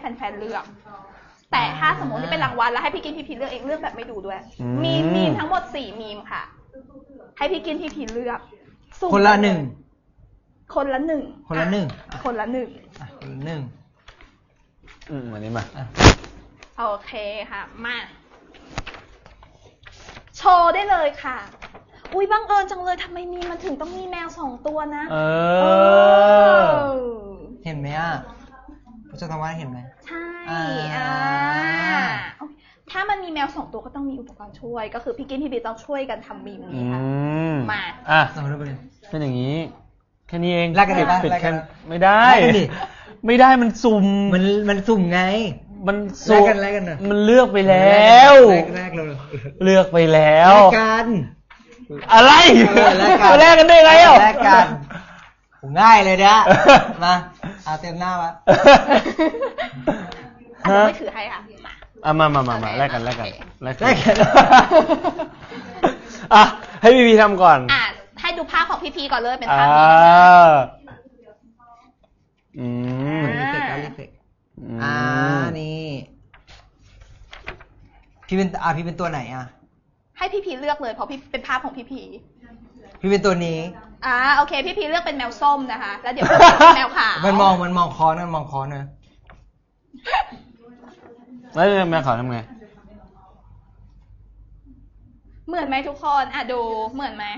ฟนๆเลือกแต่ถ้าสมมติที่เป็นรางวัลแล้วให้พี่กินพี่พีเลือกเองเลือกแบบไม่ดูด้วยมีมทั้งหมด4มีมค่ะให้พี่กินพี่พีเลือกคนละหนึ่งคนละหนึ่งอันนี้มาโอเคค่ะมาโชว์ได้เลยค่ะอุ้ยบังเอิญจังเลยทำไมมันถึงต้องมีแมว2ตัวนะเห็นไหมอ่ะผู้จัดการเห็นไหมใช่ถ้ามันมีแมว2ตัวก็ต้องมีอุปกรณ์ช่วยก็คือพี่กินพี่บีต้องช่วยกันทำมีมนี้ค่ะมาเป็นอย่างนี้แค่นี้เองแลกกันดิป่ะปิดแค่ไม่ได้มันสุ่มมันสุ่มไงมันสุ่มแลกกันมันเลือกไปแล้วเลือกไปแล้วแลกกันอะไรแลกกันได้ไงอ่ะแลกกันง่ายเลยนะมาเอาเต็มหน้าวะไม่ถือให้ค่ะมาแลกกันให้พี่พีทำก่อนให้ดูภาพของพี่พีก่อนเลยเป็นภาพนี้รีเฟกนี่พี่เป็นตัวไหนอ่ะให้พี่พีเลือกเลยเพราะพี่เป็นภาพของพี่เป็นตัวนี้โอเคพี่พีเลือกเป็นแมวส้มนะคะแล้วเดี๋ยวเป็นแมวขาวมันมองคอนะแล้วแมวขาวทำไงเหมือนไหมทุกคนดูเหมือนไหม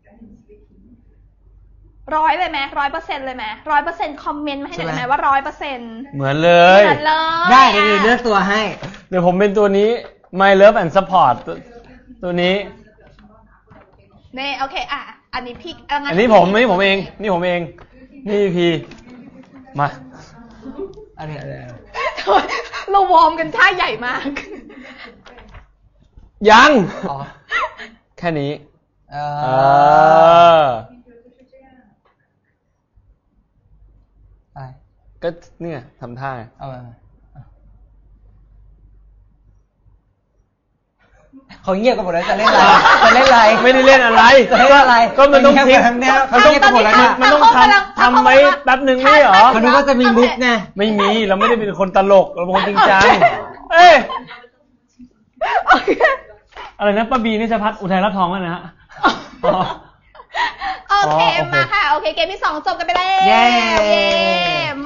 100เลยไหม100%เลยไหม100%คอมเมนต์มาให้หน่อยได้ไหมว่า100% เหมือนเลยได้เดี๋ยวเลือกตัวให้เดี๋ยวผมเป็นตัวนี้ My Love and Support ตัวนี้นี่โอเคอันนี้พี่อันนี้ผมเองนี่พี่มาอันนี้เราวอร์มกันท่าใหญ่มากยังแค่นี้ก็เนี่ยทำท่าเขาเงียบกันหมดแล้วจะเล่นอะไรไม่ได้เล่นอะไรก็มันต้องทิ้งมันต้องทำไว้แป๊บนึงไม่เหรอเขาดูว่าจะมีมุกไงไม่มีเราไม่ได้เป็นคนตลกเราเป็นคนจริงจังอะไรนะป้าบีนี่จะพัดอุทัยรับทองแล้วนะฮะโอเคมาค่ะโอเคเกมที่2จบกันไปแล้ว